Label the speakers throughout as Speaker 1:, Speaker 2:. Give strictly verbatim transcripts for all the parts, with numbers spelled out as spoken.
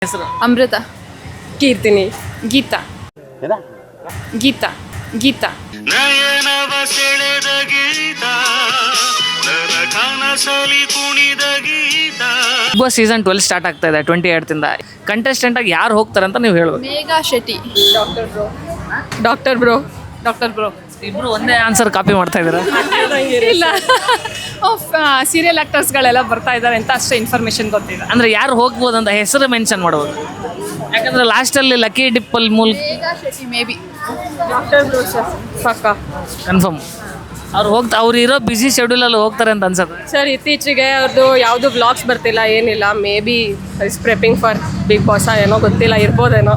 Speaker 1: ಹೆಸರು
Speaker 2: ಅಮೃತ,
Speaker 3: ಕೀರ್ತಿನಿ,
Speaker 2: ಗೀತಾ, ಗೀತಾ, ಗೀತಾ.
Speaker 4: ನಯನವ ಸೆಳೆದ ಗೀತ ನನ್ನ ಕನಸಲಿ ಕುಣಿದ ಗೀತ.
Speaker 1: Bigg Boss season twelve start ಆಗ್ತಾ ಇದೆ ಟ್ವೆಂಟಿ ಏಯ್ಟಿಂದ. ಕಂಟೆಸ್ಟೆಂಟ್ ಆಗಿ ಯಾರು ಹೋಗ್ತಾರೆ ಅಂತ ನೀವು ಹೇಳ್ಬೇಕು.
Speaker 2: Megha Shetty,
Speaker 3: doctor bro, doctor bro,
Speaker 2: doctor bro.
Speaker 1: ಇಬ್ರು ಒಂದೇ ಆನ್ಸರ್ ಕಾಪಿ ಮಾಡ್ತಾ ಇದ್ದೀರಾ?
Speaker 2: ಇಲ್ಲ, ಸೀರಿಯಲ್ ಆಕ್ಟರ್ಸ್ಗಳೆಲ್ಲ ಬರ್ತಾ ಇದ್ದಾರೆ ಅಂತ ಅಷ್ಟೇ ಇನ್ಫಾರ್ಮೇಶನ್ ಗೊತ್ತಿದೆ.
Speaker 1: ಅಂದ್ರೆ ಯಾರು ಹೋಗ್ಬೋದು ಅಂತ ಹೆಸರು ಮೆನ್ಷನ್ ಮಾಡ್ಬೋದು. ಯಾಕಂದ್ರೆ ಲಾಸ್ಟಲ್ಲಿ ಲಕ್ಕಿ ಡಿಪ್ಪಲ್ ಮೂಲಕ
Speaker 2: Megha Shetty maybe.
Speaker 3: Doctor bro sir ಪಕ್ಕ
Speaker 1: ಕನ್ಫರ್ಮ್ ಅವ್ರು ಹೋಗ್ತಾ ಅವ್ರು ಇರೋ ಬ್ಯುಸಿ ಶೆಡ್ಯೂಲಲ್ಲಿ ಹೋಗ್ತಾರೆ ಅಂತ ಅನ್ಸುತ್ತೆ.
Speaker 3: ಸರ್. ಇತ್ತೀಚೆಗೆ ಅವ್ರದ್ದು ಯಾವುದು ಬ್ಲಾಗ್ಸ್ ಬರ್ತಿಲ್ಲ, ಏನಿಲ್ಲ. Maybe is prepping for Bigg Boss ಏನೋ ಗೊತ್ತಿಲ್ಲ, ಇರ್ಬೋದೇನೋ.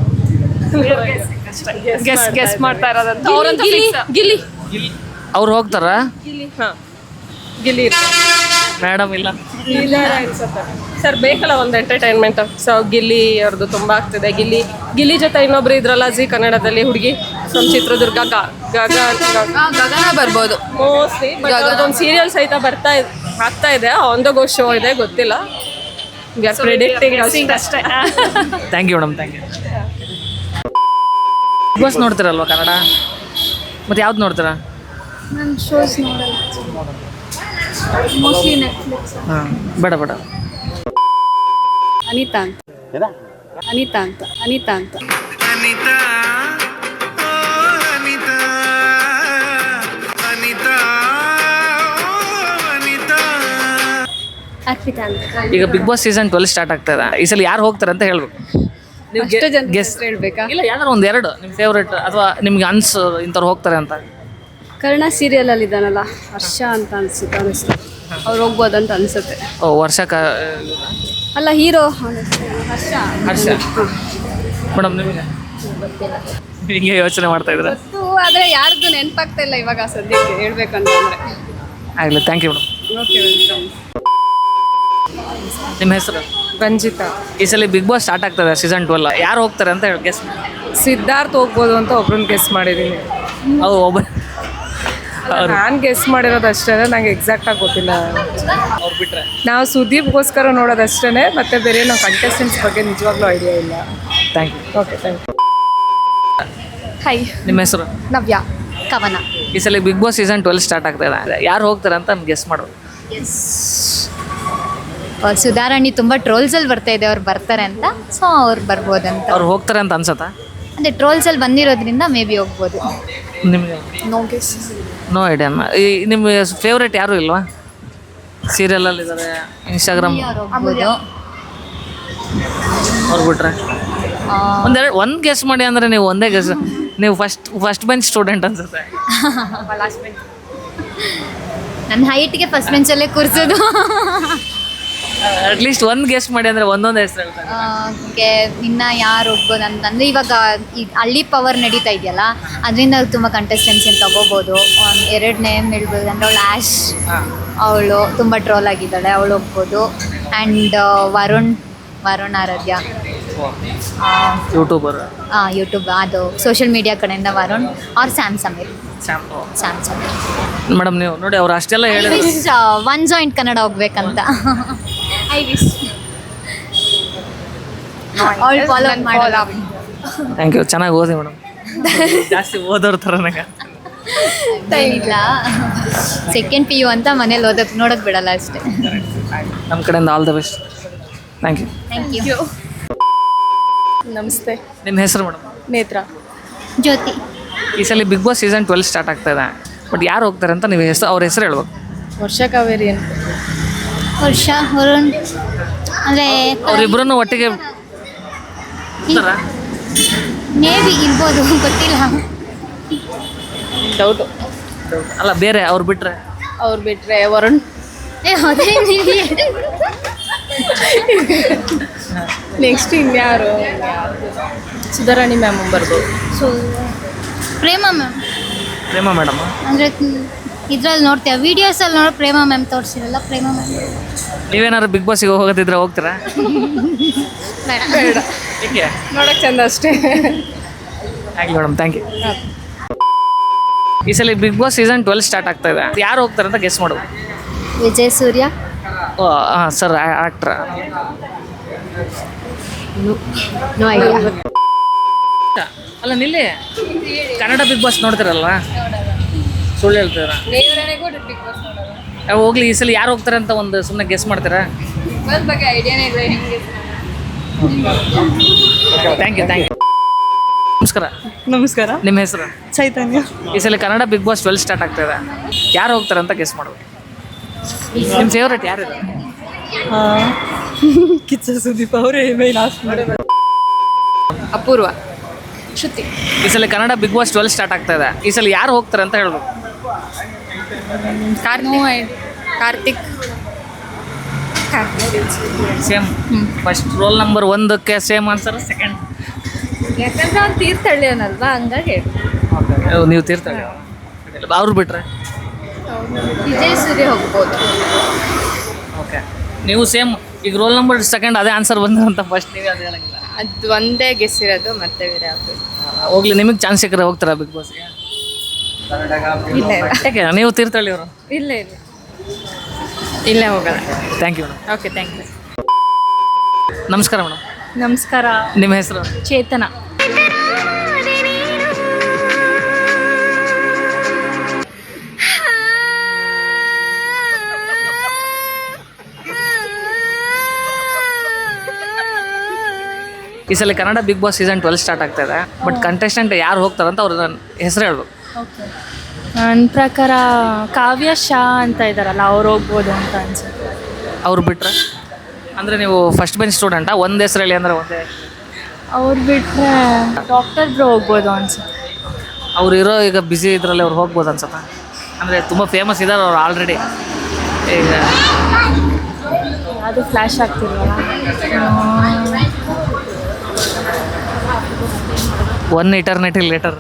Speaker 2: ಗೆಸ್ ಗೆಸ್ ಮಾಡ್ತಾ ಇರೋದಂತ ಅವ್ರಂತ
Speaker 3: ಗಿಲ್ಲಿ ಗಿಲ್ಲಿ
Speaker 1: ಅವ್ರು ಹೋಗ್ತಾರಾ?
Speaker 3: ಗಿಲ್ಲಿ ಹಾಂ ಗಿಲ್ಲಿ
Speaker 1: ಮೇಡಮ್ ಇಲ್ಲ
Speaker 3: ಇದ್ದಾರೆ ಅನ್ಸುತ್ತೆ ಸರ್. ಬೇಕಲ್ಲ ಒಂದು ಎಂಟರ್ಟೈನ್ಮೆಂಟ್. ಸೊ ಗಿಲ್ಲಿ ಅವ್ರದ್ದು ತುಂಬ ಆಗ್ತಿದೆ. ಗಿಲ್ಲಿ ಗಿಲ್ಲಿ ಜೊತೆ ಇನ್ನೊಬ್ರು ಇದ್ರಲ್ಲ ಜಿ ಕನ್ನಡದಲ್ಲಿ ಹುಡುಗಿ ನಮ್ಮ ಚಿತ್ರದುರ್ಗ ಗ- ಗಗ
Speaker 2: ಗಗನ ಬರ್ಬೋದು.
Speaker 3: ಮೋಸ್ಟ್ಲಿ ಒಂದು ಸೀರಿಯಲ್ ಸಹಿತ ಬರ್ತಾ ಇದ್ ಆಗ್ತಾ ಇದೆ. ಒಂದು ಗೋ ಶೋ ಇದೆ, ಗೊತ್ತಿಲ್ಲ. ವಿ ಆರ್ ಪ್ರೆಡಿಕ್ಟಿಂಗ್
Speaker 2: ಅಷ್ಟೇ.
Speaker 1: Thank you madam, thank you. Bigg Boss ನೋಡ್ತೀರಲ್ವಾ ಕನ್ನಡ? ಮತ್ತೆ ಯಾವ್ದು ನೋಡ್ತೀರಾ?
Speaker 5: ನಾನು ಶೋಸ್ ನೋಡಲ್ಲ, ಮೋಸ್ಟ್ಲಿ ನೆಟ್ಫ್ಲಿಕ್ಸ್.
Speaker 1: ಹಾಂ, ಬೇಡ ಬೇಡ.
Speaker 5: ಅನಿತಾ ಅಂತ, ಅನಿತಾ ಅಂತ, ಅನಿತಾ ಅಂತ.
Speaker 4: ಅನಿತಾ ಓ ಅನಿತಾ ಅನಿತಾ ಓ ಅನಿತಾ.
Speaker 5: ಅರ್ಪಿತಾ ಅಂತ.
Speaker 1: ಈಗ Bigg Boss season twelve start ಆಗ್ತಾ ಇದೆ. ಈ ಸಲ ಯಾರು ಹೋಗ್ತಾರೆ ಅಂತ ಹೇಳ್ಬೇಕು. ನೀವು
Speaker 5: ಅಷ್ಟು ಜನ
Speaker 1: ಗೆಸ್
Speaker 5: ಹೇಳ್ಬೇಕಾ?
Speaker 1: ಇಲ್ಲ, ಯಾವ್ದಾರು ಒಂದು ಎರಡು ನಿಮ್ಮ ಫೇವ್ರೇಟ್ ಅಥವಾ ನಿಮ್ಗೆ ಅನ್ಸು ಇಂಥವ್ರು ಹೋಗ್ತಾರೆ ಅಂತ.
Speaker 5: ಕರ್ಣ ಸೀರಿಯಲಲ್ಲಿ ಇದ್ದಾನಲ್ಲ, ಹರ್ಷ ಅಂತ ಅನ್ಸುತ್ತೆ, ಅನಿಸ್ತು ಅವ್ರು ಹೋಗ್ಬೋದಂತ ಅನಿಸುತ್ತೆ.
Speaker 1: ಓ ವರ್ಷಕ
Speaker 5: ಅಲ್ಲ, ಹೀರೋ ಹರ್ಷ.
Speaker 1: ಹರ್ಷ ಮೇಡಮ್, ನಿಮಗೆ ಹಿಂಗೆ ಯೋಚನೆ ಮಾಡ್ತಾ ಇದ್ರೆ
Speaker 5: ಗೊತ್ತು, ಆದರೆ ಯಾರ್ದು ನೆನಪಾಗ್ತಾ ಇಲ್ಲ ಇವಾಗ ಸದ್ಯಕ್ಕೆ ಹೇಳ್ಬೇಕಂತಂದ್ರೆ.
Speaker 1: ಆಗಲಿ, thank you madam.
Speaker 5: Okay, welcome.
Speaker 1: ನಿಮ್ಮ ಹೆಸರು?
Speaker 3: ರಂಜಿತಾ.
Speaker 1: ಈ ಸಲ ಬಿಗ್ ಬಾಸ್ ಸ್ಟಾರ್ಟ್ ಆಗ್ತದೆ ಸೀಸನ್ ಟ್ವೆಲ್. ಯಾರು ಹೋಗ್ತಾರೆ ಅಂತ ಹೇಳಿ ಗೆಸ್.
Speaker 3: ಸಿದ್ಧಾರ್ಥ್ ಹೋಗ್ಬೋದು ಅಂತ ಒಬ್ರನ್ನ ಗೆಸ್ ಮಾಡಿದ್ದೀನಿ.
Speaker 1: ಅವು ಒಬ್ಬ ಅವ್ರು
Speaker 3: ನಾನು ಗೆಸ್ ಮಾಡಿರೋದು ಅಷ್ಟೇ, ನಂಗೆ ಎಕ್ಸಾಕ್ಟಾಗಿ ಗೊತ್ತಿಲ್ಲ.
Speaker 1: ಅವ್ರು ಬಿಟ್ಟರೆ
Speaker 3: ನಾವು ಸುದೀಪ್ಗೋಸ್ಕರ ನೋಡೋದಷ್ಟೇ, ಮತ್ತು ಬೇರೆ ನಾವು ಕಂಟೆಸ್ಟೆಂಟ್ಸ್ ಬಗ್ಗೆ ನಿಜವಾಗ್ಲೂ ಐಡಿಯಾ ಇಲ್ಲ.
Speaker 1: Thank you.
Speaker 3: Okay, thank you.
Speaker 5: Hi,
Speaker 1: ನಿಮ್ಮ ಹೆಸರು?
Speaker 5: ನವ್ಯ, ಕವನ.
Speaker 1: ಈ ಸಲ Bigg Boss season twelve start ಆಗ್ತಾ ಇದೆ. ಯಾರು ಹೋಗ್ತಾರೆ ಅಂತ ಗೆಸ್ ಮಾಡೋದು.
Speaker 6: ಸುಧಾರಾಣಿ ತುಂಬ ಟ್ರೋಲ್ಸಲ್ಲಿ ಬರ್ತಾ ಇದೆ, ಅವ್ರು ಬರ್ತಾರೆ ಅಂತ. ಸೊ ಅವ್ರು ಬರ್ಬೋದಂತ.
Speaker 1: ಅವ್ರು ಹೋಗ್ತಾರೆ ಅಂತ ಅನ್ಸತ್ತಾ?
Speaker 6: ಅಂದರೆ ಟ್ರೋಲ್ಸಲ್ಲಿ ಬಂದಿರೋದ್ರಿಂದ ಮೇ ಬಿ ಹೋಗ್ಬೋದು.
Speaker 1: ನಿಮಗೆ
Speaker 5: ನೋ ಗೆಸ್.
Speaker 1: No idea. ಈ ನಿಮ್ಮ ಫೇವ್ರೇಟ್ ಯಾರು ಇಲ್ವಾ? ಸೀರಿಯಲಲ್ಲಿ ಇದ್ದಾರೆ, ಇನ್ಸ್ಟಾಗ್ರಾಮ್
Speaker 6: ಹೋಗ್ಬೋದು.
Speaker 1: ಅವ್ರು ಬಿಟ್ರೆ ಒಂದೆರಡು ಒಂದು ಗೆಸ್ ಮಾಡಿ. ಅಂದರೆ ನೀವು ಒಂದೇ ಗೆಸ್. ನೀವು ಫಸ್ಟ್ ಫಸ್ಟ್ ಬೆಂಚ್ ಸ್ಟೂಡೆಂಟ್ ಅನ್ಸುತ್ತೆ.
Speaker 6: ನನ್ನ ಹೈಟ್ಗೆ ಫಸ್ಟ್ ಬೆಂಚಲ್ಲೇ ಕೂರಿಸೋದು.
Speaker 1: ಅಟ್ಲೀಸ್ಟ್ ಒಂದು ಗೆಸ್ ಮಾಡಿ ಅಂದರೆ ಒಂದೊಂದು ಹೆಸರು ಹೇಳ್ತಾರೆ.
Speaker 6: ಓಕೆ, ಇನ್ನು ಯಾರು ಹೋಗ್ಬೋದು ಅಂತಂದರೆ ಇವಾಗ ಈ ಹಳ್ಳಿ ಪವರ್ ನಡೀತಾ ಇದೆಯಲ್ಲ, ಅದರಿಂದ ತುಂಬ ಕಂಟೆಸ್ಟೆನ್ಸ್ ಏನು ತೊಗೋಬೋದು. ಒಂದು ಎರಡು ನೇಮ್ ಹೇಳ್ಬೋದು ಅಂದರೆ ಅವಳು ಆ್ಯಶ್, ಅವಳು ತುಂಬ ಟ್ರೋಲ್ ಆಗಿದ್ದಾಳೆ, ಅವಳು ಹೋಗ್ಬೋದು. ಆ್ಯಂಡ್ ವರುಣ್ ವರುಣ್ ಆರಾಧ್ಯ,
Speaker 1: ಯೂಟ್ಯೂಬರ್,
Speaker 6: ಹಾಂ ಯೂಟ್ಯೂಬ್, ಅದು ಸೋಷಿಯಲ್ ಮೀಡಿಯಾ ಕಡೆಯಿಂದ Varun or Sam Sameer. Sam Sameer
Speaker 1: madam, ನೀವು ನೋಡಿ ಅವ್ರು ಅಷ್ಟೆಲ್ಲ ಹೇಳಿದ್ರು.
Speaker 6: ವಿಶ್ ಒನ್ ಜಾಯಿಂಟ್ ಕನ್ನಡ ಹೋಗ್ಬೇಕಂತ ಐ ವಿಶ್ ಆಲ್ ಫಾಲೋ ಮಾಡಲ್ಲ.
Speaker 1: Thank you. ಚೆನ್ನಾಗಿ ಓದಿ ಮೇಡಮ್. ಜಾಸ್ತಿ ಓದೋರ್ ಥರ ನಂಗೆ
Speaker 6: ಇಲ್ಲ, ಸೆಕೆಂಡ್ ಪಿ ಯು ಅಂತ ಮನೇಲಿ ಓದೋಕೆ ನೋಡೋಕೆ ಬಿಡಲ್ಲ ಅಷ್ಟೇ.
Speaker 1: ನಮ್ಮ ಕಡೆಯಿಂದ all the best. Thank you.
Speaker 6: Thank you.
Speaker 3: ನಮಸ್ತೆ.
Speaker 1: ನಿಮ್ಮ ಹೆಸರು ಮೇಡಮ್?
Speaker 3: ನೇತ್ರ.
Speaker 6: ಜ್ಯೋತಿ.
Speaker 1: ಈ ಸಲ Bigg Boss season twelve start ಆಗ್ತಾ ಇದೆ. ಬಟ್ ಯಾರು ಹೋಗ್ತಾರೆ ಅಂತ ನೀವು ಹೆಸರು ಅವ್ರ ಹೆಸರು ಹೇಳ್ಬೇಕು.
Speaker 3: ವರ್ಷ ಕಾವೇರಿ ಅಂತ.
Speaker 6: ವರ್ಷ, ವರುಣ್, ಅಂದರೆ
Speaker 1: ಅವರಿಬ್ಬರನ್ನು ಒಟ್ಟಿಗೆ ಇರ್ತಾರಾ?
Speaker 6: ಮೇ ಬಿ ಇರ್ಬೋದು, ಗೊತ್ತಿಲ್ಲ.
Speaker 3: ಡೌಟು.
Speaker 1: ಅಲ್ಲ, ಬೇರೆ ಅವ್ರು ಬಿಟ್ಟರೆ
Speaker 3: ಅವ್ರು ಬಿಟ್ಟರೆ ವರುಣ್.
Speaker 6: ಏ ಅದೇ
Speaker 3: ನೆಕ್ಸ್ಟ್ ಇನ್ಯಾರು? ಸುಧಾರಾಣಿ ಮ್ಯಾಮ್ ಬರ್ಬೋದು.
Speaker 6: So Prema ma'am.
Speaker 1: Prema madam
Speaker 6: ಅಂದರೆ ಇದ್ರಲ್ಲಿ ನೋಡ್ತೀವಿ, ವೀಡಿಯೋಸಲ್ಲಿ ನೋಡೋ ಪ್ರೇಮ ಮ್ಯಾಮ್ ತೋರಿಸಿರಲ್ಲ, ಪ್ರೇಮ ಮ್ಯಾಮ್.
Speaker 1: ನೀವೇನಾದ್ರು ಬಿಗ್ ಬಾಸಿಗೆ ಹೋಗೋದಿದ್ರೆ ಹೋಗ್ತೀರಾ?
Speaker 6: ಬೇಡ.
Speaker 3: ಬೇಡ,
Speaker 1: ಏಕೆ?
Speaker 3: ನೋಡೋಕ್ಕೆ ಚಂದ ಅಷ್ಟೇ.
Speaker 1: ಆಗಲಿ ಮೇಡಮ್, ಥ್ಯಾಂಕ್ ಯು. ಈ ಸಲ Bigg Boss season twelve start ಆಗ್ತಾ ಇದೆ. ಯಾರು ಹೋಗ್ತಾರೆ ಅಂತ ಗೆಸ್ ಮಾಡೋದು.
Speaker 6: ವಿಜಯ್ ಸೂರ್ಯ.
Speaker 1: ಓ ಹಾಂ ಸರ್, ಆ್ಯಕ್ಟ್ರಾ?
Speaker 5: No idea.
Speaker 1: ಅಲ್ಲ ನಿಲ್ಲಿ ಕನ್ನಡ ಬಿಗ್ ಬಾಸ್ ನೋಡ್ತಿರಲ್ವ? ಸುಳ್ಳು ಹೇಳ್ತೀರ? ಹೋಗ್ಲಿ, ಈ ಸಲ ಯಾರು ಹೋಗ್ತಾರೆ ಅಂತ ಒಂದು ಸುಮ್ಮನೆ ಗೆಸ್ ಮಾಡ್ತೀರಾ? Thank you thank you. ನಮಸ್ಕಾರ.
Speaker 7: ನಮಸ್ಕಾರ.
Speaker 1: ನಿಮ್ಮ ಹೆಸರು?
Speaker 7: ಚೈತನ್ಯ.
Speaker 1: ಈ ಸಲ Kannada Bigg Boss twelve start ಆಗ್ತಾ ಇದೆ. ಯಾರು ಹೋಗ್ತಾರೆ ಅಂತ ಗೆಸ್ ಮಾಡ್ಬೇಕು. ನಿಮ್ಮ ಫೇವ್ರೇಟ್ ಯಾರಿದೆ?
Speaker 7: ಕಿಚ್ಚ ಸುದೀಪ್ ಅವರೇ ಮೈ ಲಾಸ್ಟ್ ಮಾಡಿ.
Speaker 2: ಅಪೂರ್ವ. ಶ್ರುತಿ.
Speaker 1: ಈ ಸಲ Kannada Bigg Boss twelve start ಆಗ್ತಾ ಇದೆ. ಈ ಸಲ ಯಾರು ಹೋಗ್ತಾರೆ ಅಂತ ಹೇಳ್ಬೇಕು.
Speaker 2: Karthik.
Speaker 1: Same first roll number ಒಂದಕ್ಕೆ ಸೇಮ್ ಆನ್ಸರ್. ಸೆಕೆಂಡ್
Speaker 6: ಯಾಕಂದ್ರೆ ಅವ್ನು ತೀರ್ಥಹಳ್ಳಿಯವನಲ್ವಾ, ಹಂಗಾಗಿ
Speaker 1: ನೀವು ತೀರ್ಥಹಳ್ಳಿ. ಅವ್ರು ಬಿಟ್ರೆ
Speaker 6: ವಿಜಯ್ ಸೂರ್ಯ ಹೋಗ್ಬೋದು.
Speaker 1: ಓಕೆ, ನೀವು ಸೇಮ್ ಈಗ ರೋಲ್ ನಂಬರ್ ಸೆಕೆಂಡ್ ಅದೇ ಆನ್ಸರ್ ಬಂದಂತ ಫಸ್ಟ್ ನೀವೇ ಅದೇ ಹೇಳಂಗಿಲ್ಲ.
Speaker 2: ಅದು ಒಂದೇ ಗೆಸ್ ಇರೋದು, ಮತ್ತೆ ಬೇರೆ ಯಾವುದು
Speaker 1: ಹೋಗ್ಲಿ, ನಿಮಗೆ ಚಾನ್ಸ್ ಸಿಕ್ಕರೆ ಹೋಗ್ತಾರಾ ಬಿಗ್ ಬಾಸ್ಗೆ? ಯಾಕೆ ನೀವು ತೀರ್ಥಹಳ್ಳಿಯವರು?
Speaker 2: ಇಲ್ಲ ಇಲ್ಲ ಇಲ್ಲೇ ಹೋಗಲ್ಲ.
Speaker 1: Thank you madam.
Speaker 2: Okay, thank you.
Speaker 1: ನಮಸ್ಕಾರ ಮೇಡಮ್.
Speaker 2: ನಮಸ್ಕಾರ.
Speaker 1: ನಿಮ್ಮ ಹೆಸರು?
Speaker 2: ಚೇತನ.
Speaker 1: ಈ ಸಲ Kannada Bigg Boss season twelve start ಆಗ್ತಾ ಇದೆ. ಬಟ್ ಕಂಟೆಸ್ಟೆಂಟ್ ಯಾರು ಹೋಗ್ತಾರಂತ ಅವ್ರ ಹೆಸರು ಹೇಳ್ಬೇಕು.
Speaker 8: ನನ್ನ ಪ್ರಕಾರ ಕಾವ್ಯ ಶಾ ಅಂತ ಇದ್ದಾರಲ್ಲ, ಅವ್ರು ಹೋಗ್ಬೋದು ಅಂತ ಅನ್ಸುತ್ತೆ.
Speaker 1: ಅವ್ರು ಬಿಟ್ರೆ ಅಂದರೆ ನೀವು ಫಸ್ಟ್ ಬೆಂಚ್ ಸ್ಟೂಡೆಂಟಾ? ಒಂದು ಹೆಸರು ಹೇಳಿ ಅಂದರೆ ಒಂದೇ.
Speaker 8: ಅವ್ರು ಬಿಟ್ಟರೆ ಡಾಕ್ಟರ್ ಬ್ರೋ ಹೋಗ್ಬೋದು ಅನ್ಸುತ್ತೆ.
Speaker 1: ಅವ್ರು ಇರೋ ಈಗ ಬ್ಯುಸಿ ಇದರಲ್ಲಿ ಅವ್ರು ಹೋಗ್ಬೋದು ಅನ್ಸುತ್ತೆ. ಅಂದರೆ ತುಂಬ ಫೇಮಸ್ ಇದ್ದಾರೆ ಅವ್ರು ಆಲ್ರೆಡಿ. ಈಗ
Speaker 8: ಅದು ಫ್ಲ್ಯಾಶ್ ಆಗ್ತಿಲ್ವಲ್ಲ.
Speaker 1: One eternity later.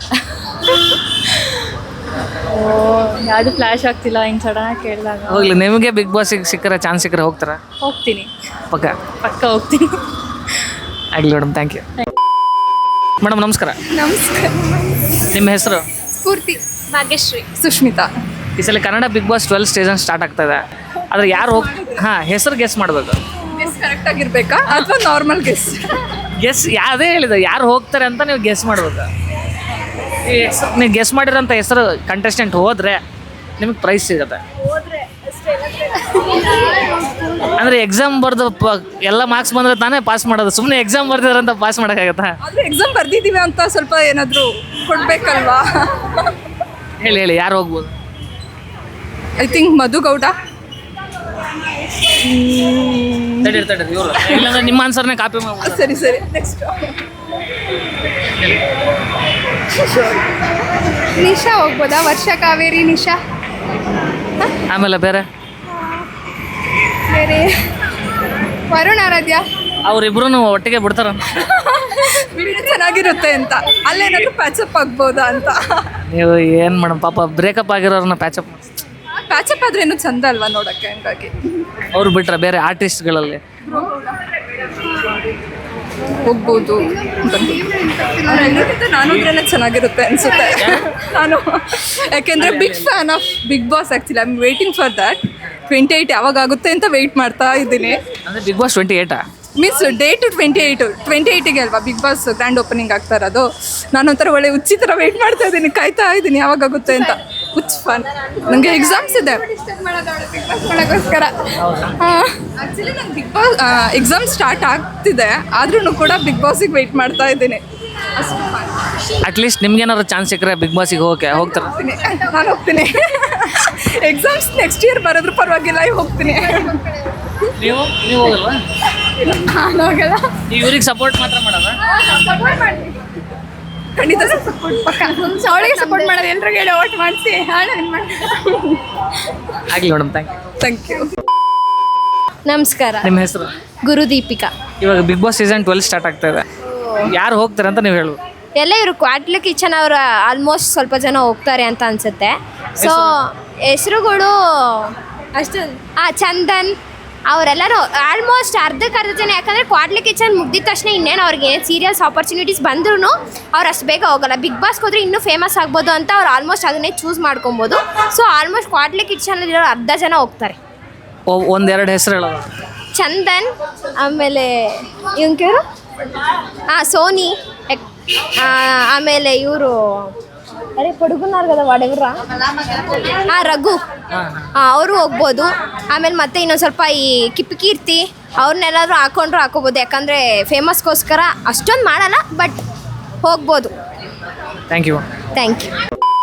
Speaker 8: ಓ, ಯಾವುದು ಫ್ಲ್ಯಾಶ್ ಆಗ್ತಿಲ್ಲ ಹಿಂಗೆ ಸಡನ್ನಾಗಿ ಕೇಳಿದಾಗ.
Speaker 1: ಹೋಗ್ಲಿ, ನಿಮಗೆ ಬಿಗ್ ಬಾಸಿಗೆ ಸಿಕ್ಕರೆ ಚಾನ್ಸ್ ಸಿಕ್ಕರೆ ಹೋಗ್ತಾರಾ?
Speaker 8: ಹೋಗ್ತೀನಿ,
Speaker 1: ಪಕ್ಕ
Speaker 8: ಪಕ್ಕ ಹೋಗ್ತೀನಿ.
Speaker 1: ಆಗಲಿ ಮೇಡಮ್, ಥ್ಯಾಂಕ್ ಯು. ಮೇಡಮ್ ನಮಸ್ಕಾರ.
Speaker 2: ನಮಸ್ಕಾರ.
Speaker 1: ನಿಮ್ಮ ಹೆಸರು?
Speaker 2: ಸ್ಫೂರ್ತಿ. ಭಾಗ್ಯಶ್ರೀ. ಸುಷ್ಮಿತಾ.
Speaker 1: ಈ ಸಲ Kannada Bigg Boss twelve season start ಆಗ್ತಾ ಇದೆ. ಆದರೆ ಯಾರು ಹೋಗ್ ಹಾಂ ಹೆಸರು ಗೆಸ್ ಮಾಡಬೇಕು.
Speaker 2: ಗೆಸ್ ಕರೆಕ್ಟ್ ಆಗಿರ್ಬೇಕಾ ಅಥವಾ ನಾರ್ಮಲ್ ಗೆಸ್?
Speaker 1: ಗೆಸ್ ಯಾವುದೇ ಹೇಳಿದೆ, ಯಾರು ಹೋಗ್ತಾರೆ ಅಂತ ನೀವು ಗೆಸ್ ಮಾಡ್ಬೇಕು. ಈ ಹೆಸರು ನೀವು ಗೆಸ್ ಮಾಡಿರೋಂಥ ಹೆಸರು ಕಂಟೆಸ್ಟೆಂಟ್ ಹೋದರೆ ನಿಮಗೆ ಪ್ರೈಸ್ ಸಿಗುತ್ತೆ. ಅಂದರೆ ಎಕ್ಸಾಮ್ ಬರೆದು ಪ ಎಲ್ಲ ಮಾರ್ಕ್ಸ್ ಬಂದರೆ ತಾನೇ ಪಾಸ್ ಮಾಡೋದು. ಸುಮ್ಮನೆ ಎಕ್ಸಾಮ್ ಬರ್ದಿದ್ರೆ ಅಂತ ಪಾಸ್ ಮಾಡೋಕ್ಕಾಗತ್ತಾ?
Speaker 2: ಆದರೆ ಎಕ್ಸಾಮ್ ಬರ್ದಿದ್ದೀವಿ ಅಂತ ಸ್ವಲ್ಪ ಏನಾದರೂ ಕೊಡಬೇಕಲ್ವಾ?
Speaker 1: ಹೇಳಿ ಹೇಳಿ, ಯಾರು ಹೋಗ್ಬೋದು?
Speaker 2: I think Madhu Gowda.
Speaker 1: ತಡೀರಿ ತಡೀರಿ, ಇವರು ಇಲ್ಲಾಂದ್ರೆ ನಿಮ್ಮ ಆನ್ಸರ್ನೇ ಕಾಪಿ ಮಾಡ್ಬೋದು.
Speaker 2: ಸರಿ ಸರಿ, ನೆಕ್ಸ್ಟ್ ನಿಶಾ ಹೋಗ್ಬೋದಾ? ವರ್ಷ ಕಾವೇರಿ ನಿಶಾ.
Speaker 1: ಆಮೇಲೆ ಬೇರೆ
Speaker 2: ಬೇರೆ ವರುಣ್ ಆರಾಧ್ಯ.
Speaker 1: ಅವರಿಬ್ರು ಒಟ್ಟಿಗೆ ಬಿಡ್ತಾರ.
Speaker 2: ಚೆನ್ನಾಗಿರುತ್ತೆ ಅಂತ, ಅಲ್ಲೇನಾದ್ರೂ ಪ್ಯಾಚಪ್ ಆಗ್ಬೋದಾ ಅಂತ.
Speaker 1: ನೀವು ಏನು ಮೇಡಮ್, ಪಾಪ ಬ್ರೇಕಪ್ ಆಗಿರೋರನ್ನ ಪ್ಯಾಚಪ್
Speaker 2: ಪ್ಯಾಚಪ್ ಆದ್ರೆ ಇನ್ನೂ ಚಂದ ಅಲ್ವಾ ನೋಡೋಕ್ಕೆ, ಹಂಗಾಗಿ
Speaker 1: ಅವ್ರು ಬಿಟ್ರೆ ಬೇರೆ ಆರ್ಟಿಸ್ಟ್ಗಳಲ್ಲಿ
Speaker 2: ಹೋಗ್ಬೋದು. ನಾನು ಅಂದ್ರೆ ಚೆನ್ನಾಗಿರುತ್ತೆ ಅನ್ಸುತ್ತೆ. ನಾನು ಯಾಕೆಂದ್ರೆ big fan of Bigg Boss. Actually I am waiting for that. Twenty eight ಯಾವಾಗ ಆಗುತ್ತೆ ಅಂತ ವೆಯ್ಟ್ ಮಾಡ್ತಾ ಇದ್ದೀನಿ.
Speaker 1: ಅಂದರೆ ಬಿಗ್ ಬಾಸ್ ಟ್ವೆಂಟಿ ಏಯ್ಟಾ?
Speaker 2: Means date twenty eight twenty ಏಯ್ಟಿಗೆ ಅಲ್ವಾ ಬಿಗ್ ಬಾಸ್ ಗ್ರ್ಯಾಂಡ್ ಓಪನಿಂಗ್ ಆಗ್ತಾ ಇರೋದು. ನಾನೊಂಥರ ಒಳ್ಳೆ ಹುಚ್ಚಿ ಥರ ವೆಯ್ಟ್ ಮಾಡ್ತಾ ಇದ್ದೀನಿ, ಕಾಯ್ತಾ ಇದ್ದೀನಿ ಯಾವಾಗುತ್ತೆ ಅಂತ. ಹುಚ್ಚ ಫನ್. ನನಗೆ ಎಕ್ಸಾಮ್ಸ್ ಇದೆ ಮಾಡೋಕ್ಕೋಸ್ಕರ. ಹಾಂ, ಆ್ಯಕ್ಚುಲಿ ನಂಗೆ ಬಿಗ್ ಬಾಸ್ ಎಕ್ಸಾಮ್ ಸ್ಟಾರ್ಟ್ ಆಗ್ತಿದೆ, ಆದ್ರೂ ಕೂಡ ಬಿಗ್ ಬಾಸಿಗೆ ವೆಯ್ಟ್ ಮಾಡ್ತಾ ಇದ್ದೀನಿ.
Speaker 1: ಅಟ್ಲೀಸ್ಟ್ ನಿಮ್ಗೇನಾದ್ರು ಚಾನ್ಸ್ ಸಿಕ್ಕರೆ ಬಿಗ್ ಬಾಸಿಗೆ ಹೋಗಕ್ಕೆ ಹೋಗ್ತಾರೆ?
Speaker 2: ನಾನು ಹೋಗ್ತೀನಿ. ಎಕ್ಸಾಮ್ಸ್ ನೆಕ್ಸ್ಟ್ ಇಯರ್ ಬರೋದ್ರ ಪರವಾಗಿಲ್ಲ, ಹೋಗ್ತೀನಿ.
Speaker 1: ನೀವು ನೀವು ಹೋಗಲ್ವಾ?
Speaker 2: ನಾನು ಹೋಗಲ್ಲ.
Speaker 1: ಇವ್ರಿಗೆ ಸಪೋರ್ಟ್ ಮಾತ್ರ ಮಾಡೋದ?
Speaker 2: ಖಂಡಿತ ಸಪೋರ್ಟ್ ಪಕ್ಕ. ಅವಳಿಗೆ ಸಪೋರ್ಟ್ ಮಾಡೋದು, ಎಲ್ರಿಗೂ ಹೇಳಿ ಓಟ್ ಮಾಡಿಸಿ.
Speaker 1: ಆಗಲಿ madam, thank you.
Speaker 2: Thank you.
Speaker 5: ನಮಸ್ಕಾರ.
Speaker 1: ನಿಮ್ಮ ಹೆಸರು?
Speaker 5: ಗುರುದೀಪಿಕಾ.
Speaker 1: ಇವಾಗ Bigg Boss season twelve start ಆಗ್ತಾ ಇದೆ. ಯಾರು ಹೋಗ್ತಾರೆ ಅಂತ ನೀವು ಹೇಳು.
Speaker 5: ಎಲ್ಲ ಇವರು ಕ್ವಾಟ್ಲಿ ಕಿಚನ್ ಅವರು ಆಲ್ಮೋಸ್ಟ್ ಸ್ವಲ್ಪ ಜನ ಹೋಗ್ತಾರೆ ಅಂತ ಅನ್ಸುತ್ತೆ. ಸೊ ಹೆಸರುಗಳು ಅಷ್ಟು ಹಾಂ, ಚಂದನ್ ಅವರೆಲ್ಲರೂ ಆಲ್ಮೋಸ್ಟ್ ಅರ್ಧಕ್ಕೆ ಅರ್ಧ ಜನ. ಯಾಕಂದರೆ ಕ್ವಾಟ್ಲಿ ಕಿಚನ್ ಮುಗ್ದಿದ ತಕ್ಷಣ ಇನ್ನೇನು ಅವ್ರಿಗೆ ಸೀರಿಯಲ್ಸ್ ಆಪರ್ಚುನಿಟೀಸ್ ಬಂದ್ರೂ ಅವ್ರು ಅಷ್ಟು ಬೇಗ ಹೋಗಲ್ಲ. ಬಿಗ್ ಬಾಸ್ಗೆ ಹೋದ್ರೆ ಇನ್ನೂ ಫೇಮಸ್ ಆಗ್ಬೋದು ಅಂತ ಅವ್ರು ಆಲ್ಮೋಸ್ಟ್ ಅದನ್ನೇ ಚೂಸ್ ಮಾಡ್ಕೊಬೋದು. ಸೊ ಆಲ್ಮೋಸ್ಟ್ ಕ್ವಾಟ್ಲಿ ಕಿಚನಲ್ಲಿರೋ ಅರ್ಧ ಜನ ಹೋಗ್ತಾರೆ.
Speaker 1: ಒಂದೆರಡು ಹೆಸರು ಹೇಳೋದು.
Speaker 5: ಚಂದನ್, ಆಮೇಲೆ ಇವನ್ ಕೇರು ಹಾಂ ಸೋನಿ, ಎಕ್- ಆ, ಆಮೇಲೆ ಇವರು ಅರೆ ಪಡುಗುನಾರ್ಗದ ವಾಡೆವ್ರ ಹಾಂ ರಘು ಹಾಂ ಅವರು ಹೋಗ್ಬೋದು. ಆಮೇಲೆ ಮತ್ತೆ ಇನ್ನೊಂದು ಸ್ವಲ್ಪ ಈ ಕಿಪ್ಕೀರ್ತಿ ಅವ್ರನ್ನೆಲ್ಲಾದ್ರೂ ಹಾಕೊಂಡ್ರು ಹಾಕೋಬೋದು, ಯಾಕಂದರೆ ಫೇಮಸ್ಗೋಸ್ಕರ ಅಷ್ಟೊಂದು ಮಾಡಲ್ಲ, ಬಟ್ ಹೋಗ್ಬೋದು.
Speaker 1: Thank you.
Speaker 5: Thank you.